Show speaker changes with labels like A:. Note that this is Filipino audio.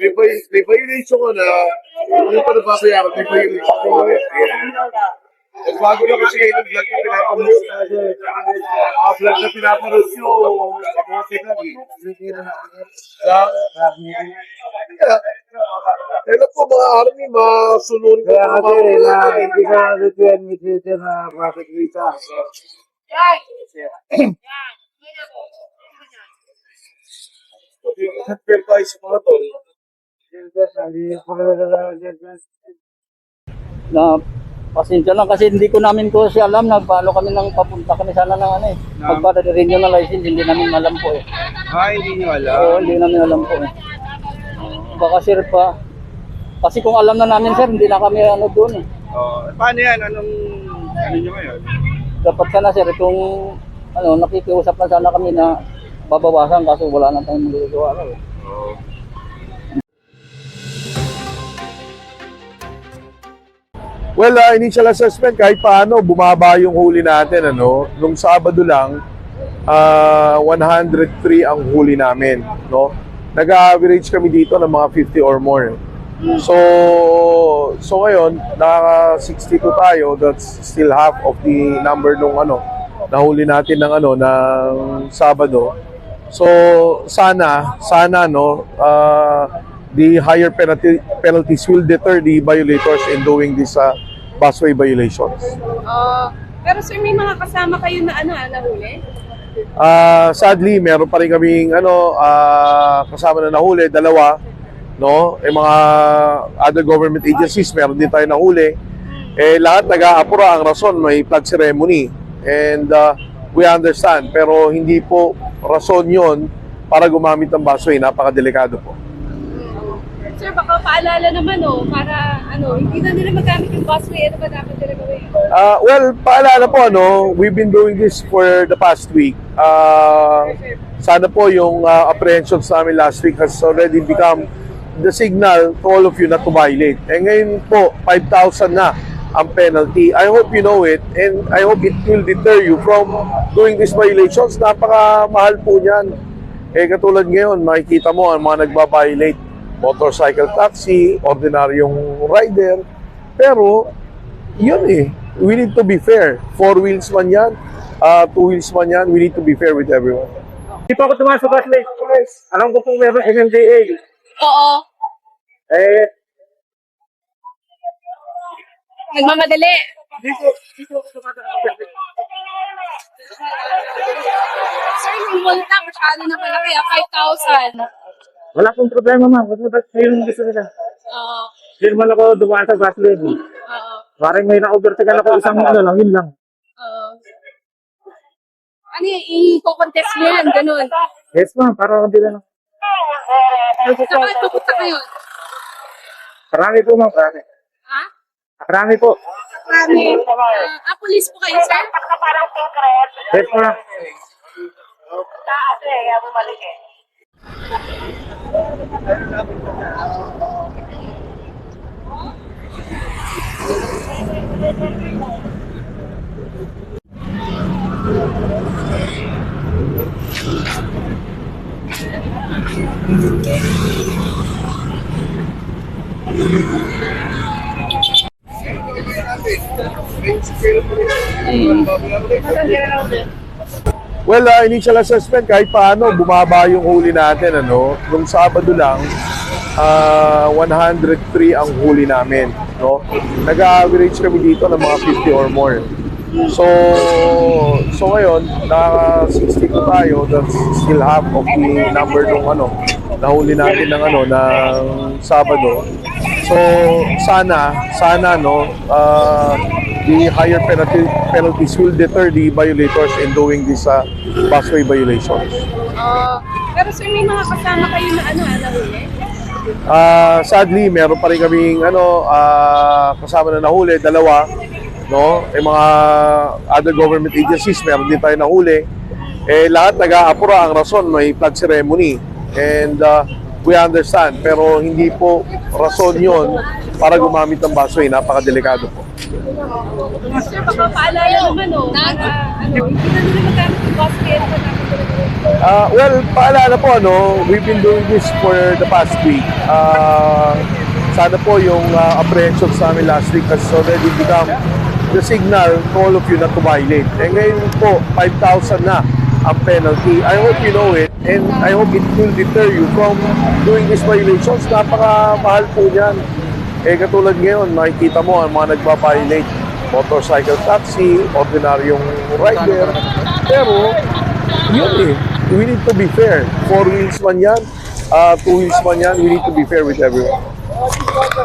A: may violation ko na hindi pa napapayaran, may violation ko ulit. Bago ka kasi kayo ng vlog na pinapanood vlog na pinapanood nyo, mabuti lang Kailan po mga army, masunod ko
B: Kaya kasi hindi ka nag-return with Twitter na traffic visa.
A: Pero tayo sa mga tol.
C: Na pasensya lang kasi hindi ko namin ko siya alam na paano kami nang papunta kami sana ng ano eh. Pagpa-renew ng license hindi namin alam po eh.
B: Hindi nyo alam.
C: Oo, hindi namin alam po eh. Baka sir pa. Kasi kung alam na namin sir, hindi na kami ano doon eh.
B: Paano yan? Anong nyo ngayon?
C: Dapat sana sir, itong ano, nakikiusap na sana kami na babawasan kaso wala na tayong magagawa eh.
A: Well, initial assessment, kahit paano, bumaba yung huli natin. Ano? Nung Sabado lang, 103 ang huli namin. No? Nag-average kami dito ng mga 50 or more. So ngayon, naka 62 tayo. That's still half of the number nung nahuli natin ng ng Sabado. So sana no, the higher penalties will deter the violators in doing these busway violations.
D: Pero sir, may mga kasama kayo na nahuli?
A: Sadly, meron pa rin kaming kasama na nahuli, dalawa, no? Mga other government agencies, meron din tayo nahuli. Lahat nag-aapura, ang rason may flag ceremony. And we understand, pero hindi po rason 'yon para gumamit ng busway, napakadelikado po.
D: Sir, baka paalala naman para hindi na nila magamit yung busway, ano ba dapat nila gawin?
A: Well, paalala po, we've been doing this for the past week. Sana po yung apprehensions namin last week has already become the signal to all of you not to violate. Ngayon po, 5,000 na ang penalty. I hope you know it and I hope it will deter you from doing these violations. Napakamahal po niyan. Katulad ngayon, makikita mo ang mga nagbabiolate, motorcycle taxi, ordinaryong rider. Pero, yun we need to be fair. 4 wheels man yan, 2 wheels man yan, we need to be fair with everyone.
B: Hindi pa ako tumasok at late. Alam ko kung meron MMDA.
D: Oo. Nagmamadali. Sir, yung multa, masyado na pala kaya 5,000.
B: Wala akong problema, ma'am. Kasi ba't yung gusto nila?
D: Oo.
B: Hindi naman ako dumaan sa bus lane.
D: Oo.
B: Parang may na-overtaken ako isang lang, yun lang.
D: Oo. I-contest mo yan, ganun.
B: Yes, ma'am. Para hindi lang.
D: Saka pupunta kayo.
B: Marami po, ma'am. Marami.
D: Ha?
B: Marami po.
D: Police po kayo, sir?
B: Yes, ma'am.
A: Well, initial assessment, kahit paano, bumaba yung huli natin. Nung Sabado lang, 103 ang huli namin. No? Nag-average kami dito ng mga 50 or more. So ngayon, naka 62 tayo. That's still half of the number nung nahuli natin ng Sabado. So sana no, the higher penalties will deter the violators in doing these busway violations.
D: Pero sir, may mga kasama kayo na nahuli?
A: Sadly, meron pa rin kaming kasama na nahuli, dalawa, no? Mga other government agencies, meron din tayo nahuli. Lahat nag-aapura, ang rason may flag ceremony. And we understand, pero hindi po rason 'yon para gumamit ng busway, napakadelikado po.
D: Sir, baka paalala naman para hindi na nila magamit yung busway. Ano ba dapat talaga gawin?
A: Well, paalala po, we've been doing this for the past week. Sana po yung apprehensions namin last week has already become the signal to all of you not to violate. And ngayon po, 5,000 na ang penalty. I hope you know it and I hope it will deter you from doing these violations. Napakamahal po yan. Katulad ngayon, makikita mo ang mga nagpa-violate, motorcycle taxi, ordinaryong rider. Pero, yun we need to be fair. 4 wheels man yan, 2 wheels man yan, we need to be fair with everyone.